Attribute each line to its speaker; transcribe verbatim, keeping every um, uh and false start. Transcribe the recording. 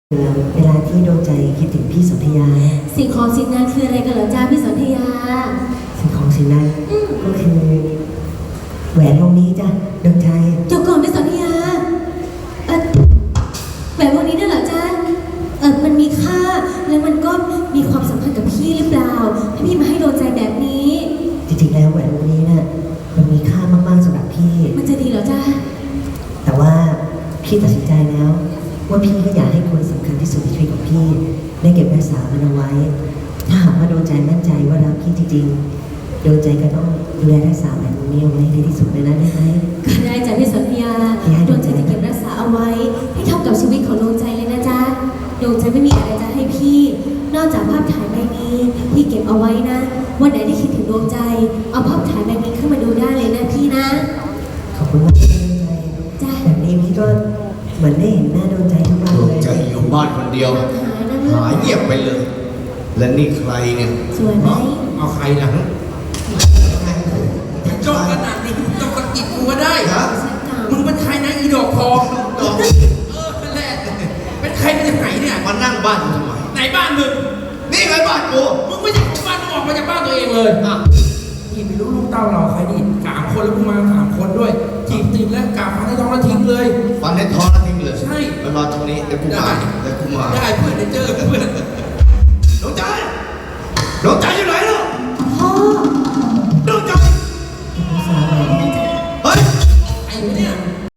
Speaker 1: เวลาที่ดวงใจคิดถึงพี่สนธยา
Speaker 2: สิ่งของสิ่งนั้นคืออะไรกันเหรอจ้าพี่สนธยา
Speaker 1: สิ่งของสิ่งนั้นก็คือแหวนวงนี้จ้ะดวงใจ
Speaker 2: เจ้าก่อนพี่สนธยาเออแหวนวงนี้นั่นเหรอจ้าเออมันมีค่าแล้วมันก็มีความสัมพันธ์กับพี่หรือเปล่าให้พี่มาให้ดวงใจแบบนี้
Speaker 1: จริงๆแล้วแหวนวงนี้น่ะมันมีค่ามากๆสำหรับพี่
Speaker 2: มันจะดีเหรอจ้า
Speaker 1: แต่ว่าพี่ตัดสินใจแล้วว่าพี่ก็อยากให้คนสำคัญที่สุดในชีวิตของพี่ได้เก็บรักษามันเอาไว้ถ้าหากว่าดวงใจมั่นใจว่ารักพี่จริงๆดวงใจก็ต้องดูแลรักษาแหวนวงนี้เอาไว้ให้ดีที่สุดเลยนะได้ไหม
Speaker 2: ก็ได้จ้ะพี่สนธยาดวงใจจะเก็บรักษาเอาไว้ให้เท่ากับชีวิตของดวงใจเลยนะจ๊ะดวงใจไม่มีอะไรจะให้พี่นอกจากภาพถ่ายใบนี้พี่เก็บเอาไว้นะวันไหนที่คิดถึงดวงใจเอาภาพถ่ายใบนี้ขึ้นมาดูได้เลยนะพี่นะ
Speaker 1: ขอบคุณมากที่ดวงใจจ้ะแบบนี้พี่ก็เหมือนได้เห็นหน้าดวงใจทุกวันเลย
Speaker 3: ดวงใจอยู่บ้านคนเดียวหายเงียบไปเลยและนี่ใครเนี่ย
Speaker 2: สวยไหม
Speaker 3: เอาใครนะ
Speaker 4: จ้องขนาดนี้ต้องสะกิดกูก็ได้ฮะมึงเป็นใครนะอีดอกทองดอกเออเป็นแรกเป็นใครมาจากไหนเนี่ย
Speaker 3: มานั่งบ้านทำไม
Speaker 4: ไหนบ้านมึง
Speaker 3: นี่ไงบ้านกู
Speaker 4: มึงไม่ใช่ของบ้านมึงออกมาจากบ้านตัวเองเลยอ่ะพี่ไม่รู้ลูกเต้าเราใครดิสามคนแล้วมึงมาสามคนด้วยจีบติดแล้วกาฟันในท้องแล้วทิ้งเลย
Speaker 3: ฟันในท้องแล้วทิ้งเลย
Speaker 4: ใช่
Speaker 3: ไปรอตรงนี้เดี๋ยวกูมาเดี๋ยวกูมา
Speaker 4: ได้เพื่อนเดี๋ยวเจอเพื่อน